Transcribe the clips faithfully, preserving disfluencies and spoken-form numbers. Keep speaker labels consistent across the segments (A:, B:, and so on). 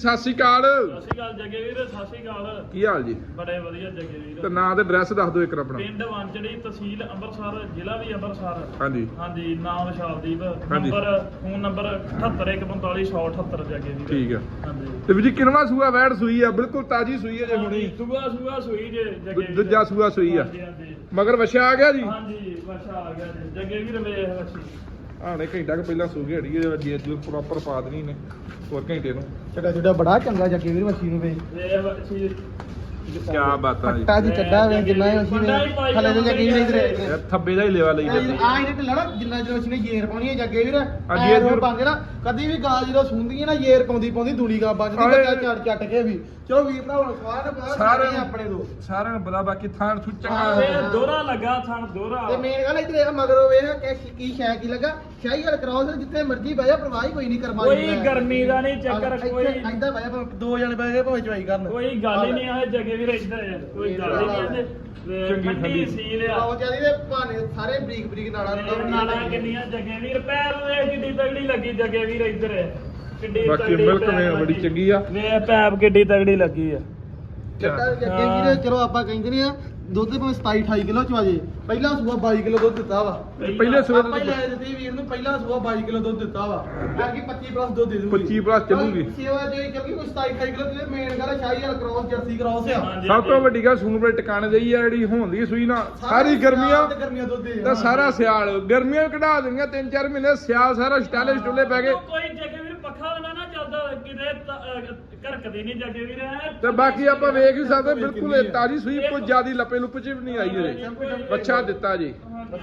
A: ਸਤਿ ਸ਼੍ਰੀ ਅਕਾਲ।
B: ਸਤਿ ਸ਼੍ਰੀ ਅਕਾਲ ਜੱਗੇ ਵੀਰ, ਸਤਿ ਸ਼੍ਰੀ ਅਕਾਲ।
A: ਕੀ ਹਾਲ ਜੀ?
B: ਬੜੇ ਵਧੀਆ ਜੱਗੇ ਵੀਰ।
A: ਤੇ ਨਾਂ ਤੇ ਐਡਰੈਸ ਦੱਸ ਦਿਓ ਇੱਕ ਆਪਣਾ।
B: ਪਿੰਡ ਵਾਂਚੜੀ, ਤਹਿਸੀਲ ਅੰਮ੍ਰਿਤਸਰ, ਜ਼ਿਲ੍ਹਾ ਵੀ ਅੰਮ੍ਰਿਤਸਰ।
A: ਹਾਂਜੀ
B: ਹਾਂਜੀ, ਨਾਮ ਵਿਸ਼ਾਲਦੀਪ। ਨੰਬਰ ਫੋਨ ਨੰਬਰ ਅਠੱਤਰ ਇੱਕ ਪੰਤਾਲੀ ਸੌ ਅਠੱਤਰ ਜੱਗੇ ਵੀਰ।
A: ਠੀਕ ਆ।
B: ਹਾਂਜੀ
A: ਤੇ ਵੀਰ ਜੀ ਕਿੰਨਵਾਂ ਸੂਆ ਵੈੜ ਸੂਈ ਆ? ਬਿਲਕੁਲ ਤਾਜੀ ਸੂਈ ਹੈ ਜੇ ਹੁਣੀ।
B: ਸੂਆ ਸੂਆ ਸੂਈ ਜੇ ਜੱਗੇ ਵੀਰ।
A: ਦੂਜਾ ਸੂਆ ਸੂਈ ਆ।
B: ਹਾਂਜੀ ਹਾਂਜੀ
A: ਮਗਰ ਵਛਾ ਆ ਗਿਆ ਜੀ?
B: ਹਾਂਜੀ ਵਛਾ ਆ ਗਿਆ ਜੀ ਜੱਗੇ ਵੀਰ। ਵੇਖ ਵਛੀ
A: ਆਣੇ ਘੰਟਾ ਕੁ ਪਹਿਲਾਂ ਸੂ ਗਈ ਹੈ ਜੀ ਅੱਜ ਪ੍ਰੋਪਰ ਪਾ ਦੇਣੀ ਨੇ ਹੋਰ ਘੰਟੇ ਨੂੰ।
C: ਚੱਡਾ ਚੱਡਾ ਬੜਾ ਚੰਗਾ ਜੱਗੇ ਵੀਰ ਮੱਛੀ ਨੂੰ ਵੇ।
B: ਵੇਖ ਵਛੀ
A: ਕੀ ਬਾਤਾਂ ਜੀ।
C: ਫੱਟਾ ਜੀ ਚੱਡਾ ਵੇ ਜਿੰਨਾ ਹੀ ਮੱਛੀ ਵੇ ਥੱਲੇ ਦੇ ਜੱਗੇ ਵੀਰ ਇਧਰ
A: ਯਾਰ ਥੱਬੇ ਦਾ ਹੀ ਲੇਵਾ ਲਈ ਜਾਂਦੀ
C: ਆ ਇਹਨੇ ਢਿੱਲਾ ਨਾ ਜਿੰਨਾ ਜਦੋਂ ਮੱਛੀ ਨੇ ਜੇਰ ਪਾਉਣੀ ਹੈ ਜੱਗੇ ਵੀਰ
A: ਜੇਰ
C: ਜੇਰ
A: ਜੂਰ
C: ਪਾਉਂਦੇ ਨਾ ਕਦੀ ਵੀ ਗਾਂ ਜਦੋਂ ਸੁੰਦੀ ਹੈ ਨਾ ਜੇਰ ਪਾਉਂਦੀ ਪਾਉਂਦੀ ਦੂਲੀ ਗਾਂ ਵੱਜਦੀ ਬੱਚਾ ਚੱਟ ਚੱਟ ਕੇ ਵੀ। ਚਲੋ ਵੀਰ ਭਰਾ ਹੁਣ ਸਵਾਦ ਬਹੁਤ ਸਾਰੇ ਆਪਣੇ ਤੋਂ
A: ਸਾਰਿਆਂ ਨੂੰ ਪਤਾ ਬਾਕੀ ਥਾਂ ਥੂ
B: ਇਹ
A: ਚੰਗਾ
B: ਦੋਹਰਾ ਲੱਗਾ ਥਣ ਦੋਹਰਾ।
C: ਤੇ ਮੇਨ ਗੱਲ ਇਧਰ ਇਹ ਮਗਰੋਂ ਵੇਖ ਕਿ ਕੀ ਸ਼ੈ ਕੀ ਲੱਗਾ ਸ਼ਾਹੀ ਵਾਲ ਕਰਾਉਸ ਜਿੱਥੇ ਮਰਜੀ ਬਹਿ ਜਾ ਪਰਵਾਹ ਹੀ ਕੋਈ ਨਹੀਂ ਕਰਮਾ
B: ਕੋਈ ਗਰਮੀ ਦਾ ਨਹੀਂ ਚੱਕਰ। ਕੋਈ
C: ਐਦਾਂ ਬਹਿ ਜਾ ਦੋ ਜਣੇ ਬਹਿ ਕੇ ਭਾਵੇਂ ਚਵਾਈ ਕਰਨ
B: ਕੋਈ ਗੱਲ ਹੀ ਨਹੀਂ ਆ ਜੱਗੇ ਵੀਰ ਇੱਧਰ ਕੋਈ ਗੱਲ ਹੀ ਨਹੀਂ
A: ਚੰਗੀ
B: ਠੰਡੀ
A: ਠੰਡੀ
B: ਸੀਲ ਆ।
C: ਆਉ ਜਿਆਦੀ ਦੇ ਭਾਣੇ ਸਾਰੇ ਬਰੀਕ ਬਰੀਕ ਨਾੜਾਂ
B: ਇਹ ਨਾਲਾਂ ਕਿੰਨੀਆਂ ਜੱਗੇ ਵੀਰ ਪੈਰ ਵੇਖ ਕਿੱਡੀ ਤਗੜੀ ਲੱਗੀ ਜੱਗੇ ਵੀਰ ਇੱਧਰ ਕਿੱਡੀ
A: ਬਾਕੀ
B: ਤਗੜੀ
A: ਮਿਲਕ
B: ਪੈਪ
A: ਵੇ ਬੜੀ
B: ਲੱਗੀ।
A: ਚੰਗੀ ਆ।
B: ਵੇਖ ਪੈਪ ਕਿੱਡੀ ਤਗੜੀ ਲੱਗੀ ਆ।
C: ਚੱਟਾ ਜੱਗੇ ਵੀਰੇ ਚਲੋ ਆਪਾਂ ਕਹਿੰਦੇ ਨੇ ਆ ਦੁੱਧ ਭਾਵੇਂ ਸਤਾਈ ਅਠਾਈ ਕਿਲੋ ਚ ਆਜੇ ਪਹਿਲਾ ਸੂਆ ਬਾਈ ਕਿਲੋ ਦੁੱਧ ਦਿੱਤਾ ਵਾ।
A: ਪਹਿਲੇ ਸੂਏ
C: ਆਪਾਂ ਹੀ ਲੈ ਦਿੱਤੀ ਵੀਰ ਨੂੰ ਪਹਿਲਾ ਸੂਆ ਬਾਈ ਕਿਲੋ ਦੁੱਧ ਦਿੱਤਾ ਵਾ ਬਾਕੀ ਪੱਚੀ ਪਲੱਸ ਦੁੱਧ ਦੇ ਦੂਗੀ
A: ਪੱਚੀ ਪਲੱਸ ਚੱਲੂਗੀ।
C: ਸੇਵਾ ਜੇ ਕਿਉਂਕਿ ਕੋਈ ਸਤਾਈ ਅਠਾਈ ਕਿਲੋ ਤੇ ਮੇਨ ਗੱਲ ਸ਼ਾਹੀ ਵਾਲ ਕ੍ਰੋਸ ਜਰਸੀ ਕ੍ਰੋਸ ਆ।
B: ਹਾਂਜੀ,
A: ਸਭ ਤੋਂ ਵੱਡੀ ਗੱਲ ਸੂਣ ਬੜੇ ਟਿਕਾਣੇ ਦੇਈ ਆ ਜਿਹੜੀ ਹੋਂਦੀ ਸੂਈ ਨਾ ਸਾਰੀ ਗਰਮੀਆਂ
C: ਤੇ ਗਰਮੀਆਂ ਦੁੱਧ ਦੇ
A: ਤੇ ਸਾਰਾ ਸਿਆਲ ਗਰਮੀਆਂ ਵੀ ਕਢਾ ਦਿੰਦੀਆਂ ਤਿੰਨ ਚਾਰ ਮਹੀਨੇ ਸਿਆਲ ਸਾਰਾ ਸਟਾਲੇ ਸਟੁੱਲੇ ਪੈ ਗਏ।
B: ਕੋਈ ਜੱਗੇ ਵੀਰ ਪੱਖਾ ਨਾ ਨਾ ਚੱਲਦਾ ਕਿਤੇ ਘਰਕਦੀ ਨਹੀਂ ਜੱਗੇ ਵੀਰ।
A: ਤੇ ਬਾਕੀ ਆਪਾਂ ਵੇਖ ਹੀ ਸਕਦੇ ਬਿਲਕੁਲ ਇਹ ਤਾਜੀ ਸੂਈ ਕੋਈ ਜਿਆਦੀ ਲੱਪੇ ਲੁੱਪ ਚ ਵੀ ਨਹੀਂ ਆਈ ਇਹਦੇ ਬੱਚਾ ਦਿੱਤਾ ਜੀ।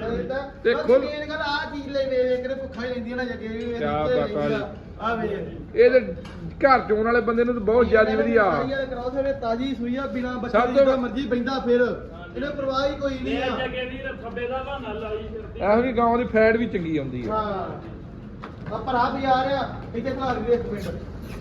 C: ਤੇ
A: ਤੇ ਖੁੱਲ-
C: ਮੇਨ ਗੱਲ ਆ ਚੀਜ਼ ਲੈ ਵੇ ਵੇ ਕਿਤੇ ਭੁੱਖਾ ਹੀ ਲੈਂਦੀ ਨਾ ਜੱਗੇ ਵੀ
A: ਕਿਆ ਬਾਤਾਂ ਜੀ।
C: ਆ ਵੇ
A: ਇਹਦੇ ਘਰ ਚੋਣ ਵਾਲੇ ਬੰਦੇ ਨੂੰ ਤਾਂ ਬਹੁਤ ਜਿਆਦੀ ਵਧੀਆ।
C: ਸ਼ਾਹੀ ਵਾਲੇ ਕ੍ਰੋਸ ਹੋਵੇ ਤਾਜੀ ਸੂਈ ਆ ਬਿਨਾ ਬੱਚੇ
A: ਸਭ
C: ਦੀ
A: ਤੋਂ
C: ਜਿੱਦਾਂ ਮਰਜੀ ਬੈਂਦਾ ਫਿਰ ਇਹਨੇ ਪਰਵਾਹ ਹੀ ਕੋਈ ਨਹੀਂ
B: ਇਹ
C: ਆ।
B: ਜੱਗੇ ਵੀਰ ਥੱਬੇ ਦਾ ਬਹਾਨਾ ਲਾਈ ਫਿਰਦੀ।
A: ਇਹੋ ਜਿਹੀ ਗਾਂ ਦੀ ਫੈਟ ਵੀ ਚੰਗੀ ਆਉਂਦੀ ਆ।
C: ਹਾਂ ਆ ਭਰਾ ਵੀ ਆ ਰਿਹਾ ਇੱਥੇ ਖਲਾ ਦੇ ਇੱਕ ਮਿੰਟ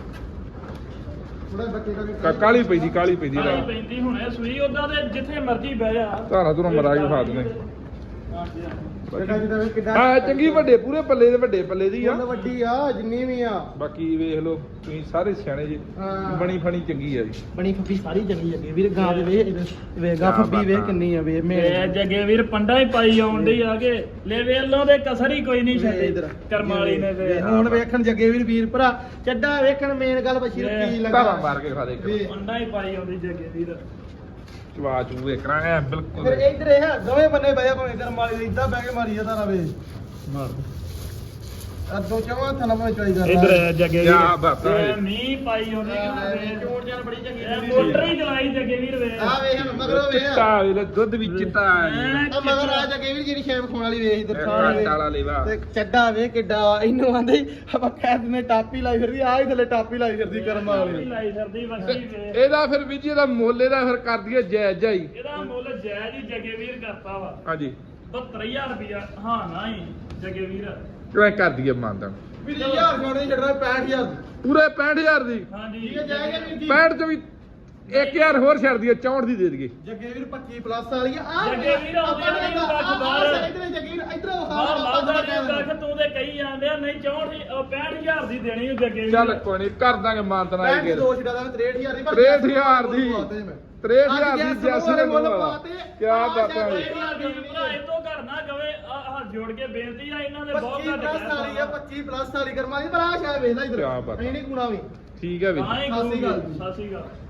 C: ਥੋੜਾ ਬੱਚੇ ਦਾ
A: ਕਾ- ਕਾਲੀ ਪੈਂਦੀ ਕਾਲੀ ਪੈਂਦੀ
B: ਕਾਲੀ
A: ਰਾ
B: ਪੈਂਦੀ ਹੁਣੇ ਸੂਈ ਉਦਾਂ ਦੇ ਜਿੱਥੇ ਮਰਜੀ ਬਹਿ ਜਾ।
A: ਧਾਰਾ ਧੁਰਾ ਮਰਾ ਕੇ ਖਾ ਦਨੇ।
C: ਕਿੱਡਾ ਜਿੱਦਾਂ ਕਿੱਡਾ
A: ਹਾਂ ਚੰਗੀ ਵੱਡੇ ਪੂਰੇ ਪੱਲੇ ਦੇ ਵੱਡੇ ਪੱਲੇ ਦੀ ਆ।
C: ਮੁੱਲ ਵੱਡੀ ਆ ਜਿੰਨੀ ਵੀ ਆ
A: ਬਾਕੀ ਵੇਖ ਲਓ ਤੁਸੀਂ ਸਾਰੇ ਸਿਆਣੇ ਜੀ।
C: ਹਾਂ।
A: ਬਣੀ ਫਣੀ ਚੰਗੀ ਆ ਜੀ।
C: ਬਣੀ ਫੱਬੀ ਸਾਰੀ ਚੰਗੀ ਲੱਗੀ ਵੀਰ ਗਾਂ ਦੇ ਵੇ ਵੇਗਾ
A: ਕਿਆ
C: ਫੱਬੀ ਵੇ
A: ਬਾਤਾਂ।
C: ਕਿੰਨੀ ਆ ਵੇ
B: ਇਹ
C: ਮੇਰੇ
B: ਜੱਗੇ ਵੀਰ ਪੰਡਾ ਹੀ ਪਾਈ ਆਉਣ ਡਈ ਆ ਕੇ ਲੈ ਵੇਲੋਂ ਦੇ ਕਸਰ ਹੀ ਕੋਈ ਨਹੀਂ ਛੱਡੀ
C: ਇੱਧਰ
B: ਕਰਮ ਵਾਲੀ ਨੇ ਵੇ।
C: ਹੁਣ ਵੇਖਣ ਜੱਗੇ ਵੀਰ ਵੀਰ ਭਰਾ ਚੱਡਾ ਵੇਖਣ ਮੇਨ ਗੱਲ ਬਸ਼ੀਰ ਕੀ
A: ਧਾਰਾ
C: ਲੱਗਾ
A: ਮਾਰ ਕੇ ਖਾ ਦੇ ਇੱਕ।
C: ਵੇ।
B: ਪੰਡਾ ਹੀ ਪਾਈ ਆਉਂਦੀ ਜੱਗੇ ਵੀਰ।
A: ਚਵਾ ਚੂ ਵੇਖਣਾ ਐ ਬਿਲਕੁਲ।
C: ਫਿਰ ਇੱਧਰ ਇਹ ਦੋਵੇਂ ਬੰਨੇ ਬਹਿ ਜਾ ਭਾਵੇਂ ਕਰਮ ਵਾਲੀ ਇਦਾਂ ਬਹਿ ਕੇ ਮਾਰੀ ਜਾ ਤਾਰਾ ਵੇ
B: ਮਾਰ
C: ਆ ਦੋ ਚਵਾਂ ਥਾਂ ਮੈਂ ਚੋਈ ਕਰ
B: ਇਧਰ ਜੱਗੇ
A: ਕਿਆ
B: ਵੀਰ
A: ਬਾਤਾਂ
B: ਇਹ
A: ਜੀ।
B: ਮੀਂਹ ਪਾਈ ਆਉਂਦੀ ਕਿ
C: ਚੋੜ ਜਾਨ ਬੜੀ ਚੰਗੀ
B: ਇਹ ਮੋਟਰ ਹੀ ਚਲਾਈ ਜੱਗੇ ਵੀਰ ਵੇ।
C: ਆ ਵੇਖ ਮਗਰੋਂ ਵੇਖ
A: ਚਿੱਟਾ ਵੇਖ ਦੁੱਧ ਵੀ ਚਿੱਟਾ ਆ ਜੀ।
C: ਆ ਮਗਰ ਆ ਜੱਗੇ ਵੀਰ ਜਿਹੜੀ ਸ਼ੇਪ ਖਾਣ ਵਾਲੀ ਵੇਖ ਇੱਧਰ
A: ਇਹ
C: ਥਾਂ
A: ਕੱਟ ਵਾਲਾ ਲੇਵਾ।
C: ਤੇ ਚੱਡਾ ਵੇ ਕਿੱਡਾ ਇਹਨੂੰ ਆਂਦੇ ਆਪਾਂ ਕਹਿ ਦਿੰਦੇ ਟਾਪੀ ਲਾਈ ਫਿਰਦੀ ਆ ਹੀ ਥੱਲੇ ਟਾਪੀ ਲਾਈ ਫਿਰਦੀ ਕਰਮ ਵਾਲੀ
B: ਲਾਈ ਫਿਰਦੀ ਵਸੀ ਵੇ।
A: ਇਹਦਾ ਫਿਰ ਵੀ ਜੀ ਇਹਦਾ ਮੁੱਲ ਇਹਦਾ ਫਿਰ ਕਰ ਦਈਏ ਜਾਇਜ਼ ਜਾਈ।
B: ਇਹਦਾ ਮੁੱਲ ਜਾਇਜ਼ ਹੀ ਜੱਗੇ ਵੀਰ ਕਰਤਾ ਵਾ
A: ਹਾਂਜੀ
B: ਬਹੱਤਰ ਹਜ਼ਾਰ ਰੁਪਇਆ। ਹਾਂ ਨਾ ਹੀ ਜੱਗੇ ਵੀਰ
A: ਕਿਉਂ ਐਂ ਕਰ ਦਈਏ ਮਾਨਦਾਨ
C: ਵੀਰ ਜੀ ਹਜ਼ਾਰ ਛੋੜ ਨਹੀਂ ਛੱਡਣਾ ਪੈਂਹਠ ਹਜ਼ਾਰ
A: ਪੂਰੇ ਪੈਂਹਠ ਹਜ਼ਾਰ ਦੀ।
B: ਹਾਂਜੀ
C: ਠੀਕ ਹੈ ਜਾਏਗਾ ਵੀਰ ਜੀ
A: ਪੈਂਹਠ ਚੋਂ ਵੀ ਇੱਕ ਹਜ਼ਾਰ ਹੋਰ ਛੱਡ ਦਈਏ ਚੌਂਹਠ ਦੀ ਦੇ ਦਈਏ।
C: ਜੱਗੇ ਵੀਰ ਪੱਚੀ ਪਲੱਸ ਵਾਲੀ ਆ ਆ
B: ਜੱਗੇ ਵੀਰ ਆਉਂਦੇ ਨੇ ਕੱਖ ਬਾਹਰ।
C: ਇੱਧਰ ਜੱਗੇ ਵੀਰ ਇੱਧਰ
B: ਬਾਹਰ ਲਾਉਂਦਾ ਨਹੀਂ ਕੱਖ ਤੂੰ ਤੇ ਕਹੀ ਜਾਂਦੇ ਆ ਨਹੀਂ ਚੌਂਹਠ ਦੀ ਉਹ ਪੈਂਹਠ ਹਜ਼ਾਰ ਦੀ ਦੇਣੀ ਉਹ ਜੱਗੇ ਵੀਰ।
A: ਚੱਲ ਕੋਈ ਨਹੀਂ ਕਰ ਦਾਂਗੇ ਮਾਨਦਾਨ ਆਏ
C: ਪੈਂਹਠ
A: ਕੇ
C: ਦੋ ਛੱਡਾ ਦਾ ਤਰੇਹਠ ਹਜ਼ਾਰ ਦੀ
A: ਤਰੇਹਠ ਹਜ਼ਾਰ ਦੀ। ਤਰੇਹਠ ਹਜ਼ਾਰ ਦੀ ਜੈਸੀ ਦੇ ਮੁੱਲ ਵਾਲਾ ਕਿਆ ਬਾਤਾਂ ਜੀ।
B: ਭਰਾ ਇਹ ਤੋਂ ਘਰ ਨਾ ਗਵੇ ਆ ਹੱਥ ਜੋੜ ਕੇ ਬੇਨਤੀ ਆ ਇਹਨਾਂ ਦੇ ਬਹੁਤ
C: ਪੱਚੀ
B: ਘੱਟ
C: ਪਲੱਸ ਵਾਲੀ ਆ ਪੱਚੀ ਪਲੱਸ ਵਾਲੀ ਕਰਮਾ ਦੀ ਪਰ ਆ ਸ਼ਾਇਦ ਵੇਖ ਲੈ ਇੱਧਰ
A: ਕਿਆ ਬਾਤ।
C: ਨਹੀਂ ਨਹੀਂ ਗੁਣਾ ਵੀ
A: ਠੀਕ ਹੈ ਵੀਰ
B: ਹਾਂ ਹੀ
C: ਸਤਿ ਸ਼੍ਰੀ ਅਕਾਲ ਜੀ।
B: ਸਤਿ ਸ਼੍ਰੀ ਅਕਾਲ।